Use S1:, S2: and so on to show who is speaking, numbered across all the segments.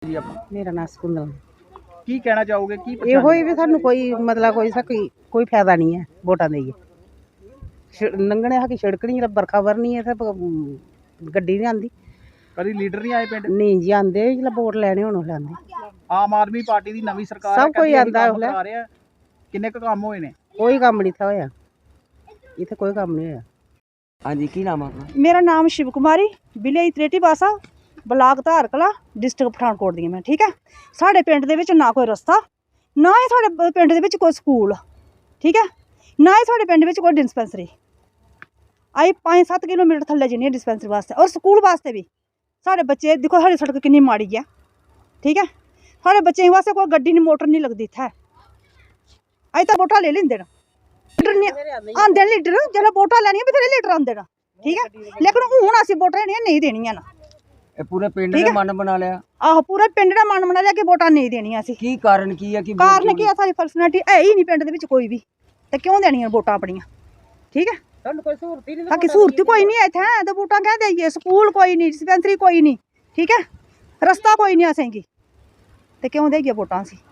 S1: ਜੀ ਆਪਾਂ
S2: ਮੇਰਾ ਨਾਮ ਸਕੁੰਦਲ।
S1: ਕੀ ਕਹਿਣਾ ਚਾਹੋਗੇ ਕੀ
S2: ਇਹੋ ਹੀ ਵੀ ਸਾਨੂੰ ਕੋਈ ਮਤਲਬ ਕੋਈ ਫਾਇਦਾ ਨਹੀਂ ਹੈ ਵੋਟਾਂ ਦੇ ਲੰਘਣੇ ਹਕੀ ਸੜਕ ਨਹੀਂ ਬਰਖਾ ਵਰਨੀ ਹੈ ਤੇ ਗੱਡੀ ਨਹੀਂ ਆਉਂਦੀ।
S1: ਕਦੀ ਲੀਡਰ ਨਹੀਂ ਆਏ ਪਿੰਡ?
S2: ਨਹੀਂ ਜੀ ਆਉਂਦੇ ਜਦੋਂ ਵੋਟ ਲੈਣੇ ਹੁਣ ਲੈਂਦੇ।
S1: ਆਮ ਆਦਮੀ ਪਾਰਟੀ ਦੀ ਨਵੀਂ ਸਰਕਾਰ
S2: ਸਭ ਕੋਈ ਆਂਦਾ
S1: ਕੰਮ ਕਰਾ ਰਿਹਾ। ਕਿੰਨੇ ਕੁ ਕੰਮ ਹੋਏ ਨੇ?
S2: ਕੋਈ ਕੰਮ ਨਹੀਂ ਹੋਇਆ ਇੱਥੇ, ਕੋਈ ਕੰਮ ਨਹੀਂ ਹੋਇਆ।
S1: ਹਾਂਜੀ, ਕੀ ਨਾਮ ਆ ਆਪਣਾ?
S3: ਮੇਰਾ ਨਾਮ शिव कुमारी, village Treti Basa, block Dharkalan, district Pathankot दी मैं। ठीक है, साढ़े पिंड दे विच ना कोई रस्ता, ना ही साढ़े पिंड दे विच कोई स्कूल, ठीक है, ना ही साढ़े पिंड विच कोई डिस्पेंसरी। आई 5-7 किलोमीटर थल्ले जन्नी डिस्पेंसरी वास्ते और स्कूल वास्ते भी। साढ़े बच्चे देखो साढ़ी सड़क कितनी माड़ी है, ठीक है, साढ़े बच्चें वास्ते कोई गड्डी नहीं मोटर नहीं लगती इत्थै। अज तक वोटां ले लैंदे न, आंदे लीडर जिसलै वोटां लैनियां बथेरे लीडर आंदे न, ठीक है, लेकिन हुण असीं वोटां नहीं देनियां न।
S1: पूरे पिंड ने मन बना लिया।
S3: आहो, पूरे पिंड ने मन बना लिया कि वोटां नहीं देनियां असीं।
S1: की कारण की है?
S3: कारण की है, साडी पर्सनैलिटी है ही नहीं पिंड दे विच कोई भी, ते क्यों देनियां वोटां अपनियां? ठीक है,
S2: कोई सहूलत ही नहीं,
S3: बाकी सहूलत कोई नहीं है इत्थै, ते वोटां क्या देइए? स्कूल कोई नहीं, डिस्पेंसरी कोई नहीं, ठीक है, रस्ता कोई नहीं असेंगी, ते क्यों देइए वोटां असीं?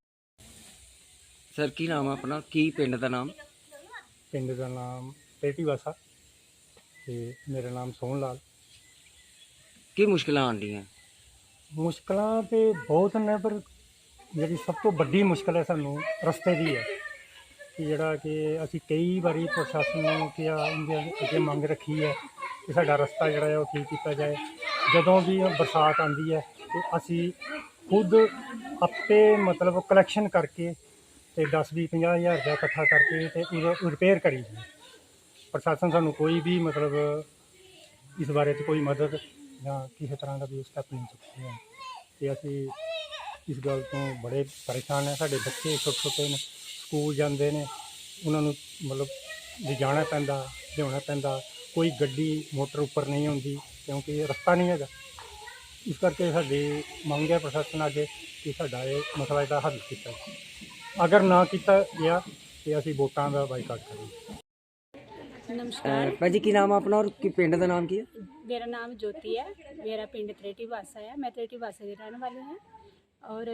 S1: सर की नाम है अपना? की पिंड दा नाम?
S4: पिंड का नाम त्रेटी बासा ते मेरा नाम सोहन लाल।
S1: की मुश्किल आंदी हैं?
S4: मुश्किल तो बहुत ने, पर जी सब तो बड़ी मुश्किल है सानू रस्ते की है कि जड़ा कि असी कई बारी प्रशासन क्या अगे मंग रखी है कि साडा रस्ता जड़ा है वो ठीक किया जाए। जदों भी बरसात आती है तो असी खुद आपे मतलब कलैक्शन करके तो 10-20-50 हज़ार रुपया इकट्ठा करके तो रिपेयर करी दी। प्रशासन सानू कोई भी मतलब इस बारे कोई मदद या किसी तरह का भी स्टैप नहीं चुके हैं तो असी इस गल तो बड़े परेशान हैं। साढ़े बच्चे छोटे छोटे ने स्कूल जाते हैं, उन्होंने मतलब लिजाना पैंदा लियाना पैंदा, कोई गड्डी मोटर उपर नहीं होंदी क्योंकि रस्ता नहीं है। इस करके साडी मंग है प्रशासन अगे कि साडा ये मसला इसका हल किया जाए। अगर ना किया गया तो असी वोटां का बाईकाट करेंगे।
S5: नमस्कार
S1: भाजी की नाम है अपना और की पिंड का नाम की है?
S5: मेरा नाम ज्योति है, मेरा पिंड त्रेटी बासा है, मैं त्रेटी बासा की रहने वाली हूँ। और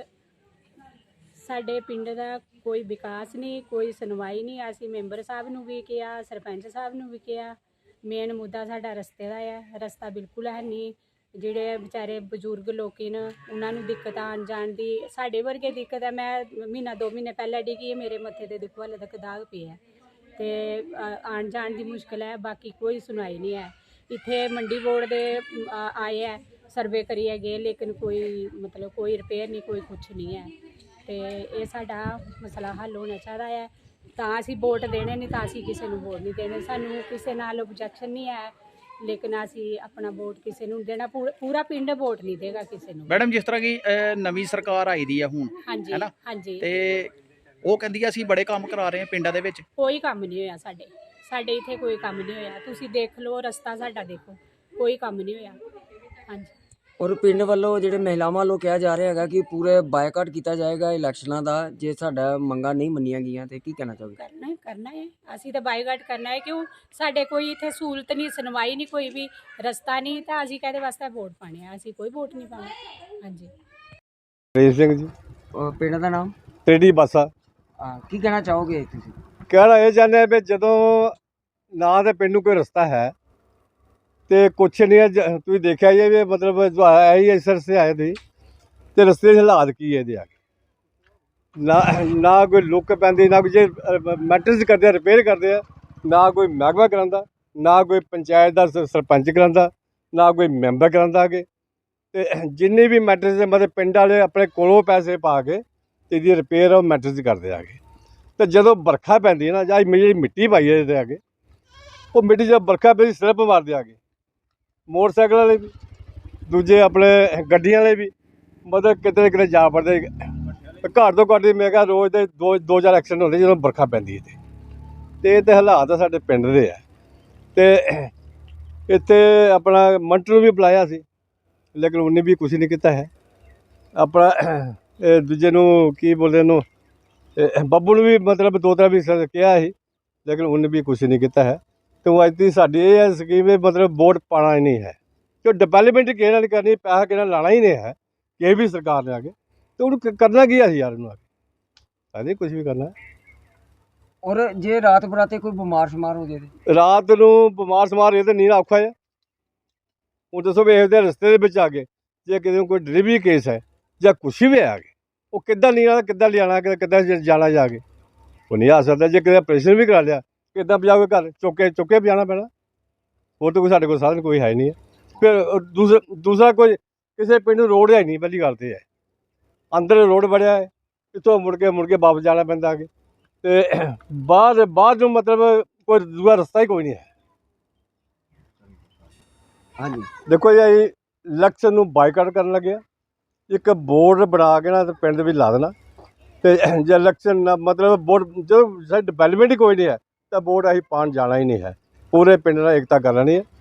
S5: साडे पिंड का कोई विकास नहीं, कोई सुनवाई नहीं। असी मैंबर साहब नूं भी किया, सरपंच साहब नूं भी किया। मेन मुद्दा साडा रस्ते का है, रस्ता बिल्कुल है नहीं। ਜਿਹੜੇ बेचारे बजुर्ग लोग न उन्होंने दिक्कत आन जान की, साढ़े वर्गे दिक्कत है। मैं महीना 2 महीने पहले डिगी है, मेरे मत्थे ते देखो हाले तक दाग पे है, तो आन जान की मुश्किल है। बाकी कोई सुनाई नहीं है। इत्थे मंडी बोर्ड दे आए है, सर्वे करिए गए, लेकिन कोई मतलब कोई रिपेयर नहीं, कोई कुछ नहीं है। तो ये साडा मसला हल होना चाहिए है। तां असीं वोट देने नहीं, तां असीं किसी नूं वोट नहीं देने। सानूं किसी नाल ऑब्जेक्शन नहीं है, लेकिन असी अपना वोट किसी नूं देना, पूरा पिंड वोट नहीं देगा किसी नूं।
S1: मैडम जिस तरह की नवी सरकार आई दी है हुण,
S5: हाँ जी,
S1: है ना,
S5: हाँ जी,
S1: ते ਉਹ ਕਹਿੰਦੀ ਆ ਅਸੀਂ ਬੜੇ ਕੰਮ ਕਰਾ ਰਹੇ ਹਾਂ ਪਿੰਡਾਂ ਦੇ ਵਿੱਚ।
S5: कोई काम नहीं होया साडे इत्थे कोई काम नहीं होया। तुसीं देख लो रस्ता साडा देखो, कोई काम नहीं होया। हाँ जी,
S6: और पिंड वालों ਜਿਹੜੇ ਮਹਿਲਾਵਾਂ ਵੱਲੋਂ ਕਿਹਾ ਜਾ ਰਿਹਾ ਹੈਗਾ ਕਿ ਪੂਰੇ ਬਾਈਕਾਟ ਕੀਤਾ ਜਾਏਗਾ ਇਲੈਕਸ਼ਨਾਂ ਦਾ ਜੇ ਸਾਡਾ ਮੰਗਾਂ ਨਹੀਂ ਮੰਨੀਆਂ ਗਈਆਂ ਤੇ ਕੀ ਕਹਿਣਾ ਚਾਹੋਗੇ?
S5: करना है असी तो बाईकाट करना है। क्यों साडे कोई इत्थे सहूलत नहीं, सुनवाई नहीं, कोई भी रस्ता नहीं, तो असी कहदे वास्ते वोट पाने हैं? असी कोई वोट नहीं पाना। हाँ जी,
S7: ਰੇਜ ਸਿੰਘ ਜੀ,
S6: ਪਿੰਡ ਦਾ ਨਾਮ?
S7: ਤੇੜੀ ਬਾਸਾ।
S6: ਕੀ ਕਹਿਣਾ ਚਾਹੋਗੇ ਤੁਸੀਂ?
S7: ਕਹਿਣਾ ਇਹ ਚਾਹੁੰਦੇ ਆ ਵੀ ਜਦੋਂ ਨਾ ਤੇ ਪਿੰਡ ਨੂੰ ਕੋਈ ਰਸਤਾ ਹੈ ਤੇ ਕੁਛ ਨਹੀਂ ਹੈ। ਤੁਸੀਂ ਦੇਖਿਆ ਜੀ ਵੀ ਮਤਲਬ ਜੋ ਆਇਆ ਹੀ ਇਸ ਸੇ ਆਏ ਸੀ ਤੇ ਰਸਤੇ ਦੇ ਹਾਲਾਤ ਕੀ ਹੈ ਇਹਦੇ ਆ ਨਾ ਕੋਈ ਲੁੱਕ ਪੈਂਦੀ, ਨਾ ਕੋਈ ਜੇ ਮੈਂਟੇਨੈਂਸ ਕਰਦੇ ਆ, ਰਿਪੇਅਰ ਕਰਦੇ ਆ, ਨਾ ਕੋਈ ਮਹਿਕਮਾ ਕਰਾਉਂਦਾ, ਨਾ ਕੋਈ ਪੰਚਾਇਤ ਦਾ ਸਰਪੰਚ ਕਰਾਉਂਦਾ, ਨਾ ਕੋਈ ਮੈਂਬਰ ਕਰਾਉਂਦਾ ਅੱਗੇ। ਤੇ ਜਿੰਨੀ ਵੀ ਮੈਂਟੇਨੈਂਸ ਮਤਲਬ ਪਿੰਡ ਵਾਲੇ ਆਪਣੇ ਕੋਲੋਂ ਪੈਸੇ ਪਾ ਕੇ ਤੇ ਇਹਦੀ ਰਿਪੇਅਰ ਉਹ ਮੈਂਟੇਨੈਂਸ ਕਰਦੇ ਆ ਕੇ। ਤੇ ਜਦੋਂ ਵਰਖਾ ਪੈਂਦੀ ਹੈ ਨਾ, ਜਾਂ ਜਿਹੜੀ ਮਿੱਟੀ ਪਾਈ ਹੈ ਇਹਦੇ ਅੱਗੇ, ਉਹ ਮਿੱਟੀ ਜਦੋਂ ਵਰਖਾ ਪੈਂਦੀ ਸਲਿੱਪ ਮਾਰਦੇ ਆ ਕੇ ਮੋਟਰਸਾਈਕਲ ਵਾਲੇ ਵੀ, ਦੂਜੇ ਆਪਣੇ ਗੱਡੀਆਂ ਵਾਲੇ ਵੀ, ਮਤਲਬ ਕਿਤੇ ਨਾ ਕਿਤੇ ਜਾ ਪੜਦੇ। ਘੱਟ ਤੋਂ ਘੱਟ ਮੈਂ ਕਿਹਾ ਰੋਜ਼ ਦੇ 2-4 ਐਕਸੀਡੈਂਟ ਹੁੰਦੇ ਜਦੋਂ ਵਰਖਾ ਪੈਂਦੀ ਹੈ। ਤੇ ਇਹ ਤਾਂ ਹਾਲਾਤ ਆ ਸਾਡੇ ਪਿੰਡ ਦੇ ਆ। ਤੇ ਇੱਥੇ ਆਪਣਾ ਮੰਟਰ ਨੂੰ ਵੀ ਬੁਲਾਇਆ ਸੀ, ਲੇਕਿਨ ਉਹਨੇ ਵੀ ਕੁਛ ਨਹੀਂ ਕੀਤਾ ਹੈ। ਆਪਣਾ ਦੂਜੇ ਨੂੰ ਕੀ ਬੋਲਦੇ ਉਹਨੂੰ, ਬੱਬੂ ਨੂੰ ਵੀ ਮਤਲਬ 2-3 ਵੀ ਕਿਹਾ ਸੀ, ਲੇਕਿਨ ਉਹਨੇ ਵੀ ਕੁਛ ਨਹੀਂ ਕੀਤਾ ਹੈ। तो अज की साड़ी ये स्कीम मतलब वोट पाना ही नहीं है, जो डिवेलपमेंट किसी ने करनी, पैसा किसी ने लाना ही नहीं है। ਕਿਸੇ ਵੀ ਸਰਕਾਰ ਨੇ ਆ ਕੇ, ਤੇ ਉਹਨੂੰ ਕਰਨਾ ਕੀ ਆ ਅਸੀਂ ਯਾਰ ਉਹਨੂੰ ਆ ਕੇ ਅਸੀਂ ਕੁਝ ਵੀ ਕਰਨਾ।
S6: ਔਰ ਜੇ ਰਾਤ ਬਰਾਤੇ ਕੋਈ ਬਿਮਾਰ ਸ਼ਮਾਰ ਹੋ ਜਾਏ ਤੇ
S7: ਰਾਤ ਨੂੰ ਬਿਮਾਰ ਸਮਾਰ ਇਹ ਤਾਂ ਨਹੀਂ ਨਾ ਔਖਾ ਹੈ। ਹੁਣ ਦੱਸੋ ਵੀ ਇਹਦੇ ਰਸਤੇ ਦੇ ਵਿੱਚ ਆ ਗਏ, ਜੇ ਕਿਸੇ ਨੂੰ ਕੋਈ ਡਿਲੀਵਰੀ ਕੇਸ ਹੈ ਜਾਂ ਕੁਛ ਵੀ ਆ ਗਏ, ਉਹ ਕਿੱਦਾਂ ਨਹੀਂ ਆਣਾ, ਕਿੱਦਾਂ ਲਿਆਣਾ, ਕਿੱਦਾਂ ਜਾਣਾ ਜਾ ਕੇ, ਉਹ ਨਹੀਂ ਆ ਸਕਦਾ। ਜੇ ਕਿਸੇ ਆਪਰੇਸ਼ਨ ਵੀ ਕਰਾ ਲਿਆ, ਕਿੱਦਾਂ ਪਜਾਓਗੇ ਘਰ, ਚੁੱਕੇ ਪਜਾਣਾ ਪੈਣਾ। ਹੋਰ ਤਾਂ ਕੋਈ ਸਾਡੇ ਕੋਲ ਸਾਧਨ ਕੋਈ ਹੈ ਨਹੀਂ ਹੈ। ਫਿਰ ਦੂਸਰਾ ਕੋਈ ਕਿਸੇ ਪਿੰਡ ਨੂੰ ਰੋਡ ਹੈ ਨਹੀਂ, ਪਹਿਲੀ ਗੱਲ ਤੇ ਹੈ ਅੰਦਰ ਰੋਡ ਬਣਿਆ ਹੈ, ਇੱਥੋਂ ਮੁੜ ਕੇ ਵਾਪਸ ਜਾਣਾ ਪੈਂਦਾ ਆ ਕੇ, ਤੇ ਬਾਹਰ ਨੂੰ ਮਤਲਬ ਕੋਈ ਦੂਆ ਰਸਤਾ ਹੀ ਕੋਈ ਨਹੀਂ ਹੈ।
S6: ਹਾਂਜੀ
S7: ਦੇਖੋ ਜੀ ਅਸੀਂ ਇਲੈਕਸ਼ਨ ਨੂੰ ਬਾਈਕਾਟ ਕਰਨ ਲੱਗੇ, ਇੱਕ ਬੋਰਡ ਬਣਾ ਕੇ ਨਾ ਤੇ ਪਿੰਡ ਦੇ ਵਿੱਚ ਲਾ ਦੇਣਾ, ਤੇ ਜੇ ਇਲੈਕਸ਼ਨ ਨਾ ਮਤਲਬ ਬੋਰਡ ਜਦੋਂ ਸਾਡੀ ਡਿਵੈਲਪਮੈਂਟ ਹੀ ਕੋਈ ਨਹੀਂ ਹੈ ਤਾਂ ਵੋਟ ਅਸੀਂ ਪਾਉਣ ਜਾਣਾ ਹੀ ਨਹੀਂ ਹੈ। ਪੂਰੇ ਪਿੰਡ ਨਾਲ ਏਕਤਾ ਕਰ ਲੈਣੀ ਹੈ।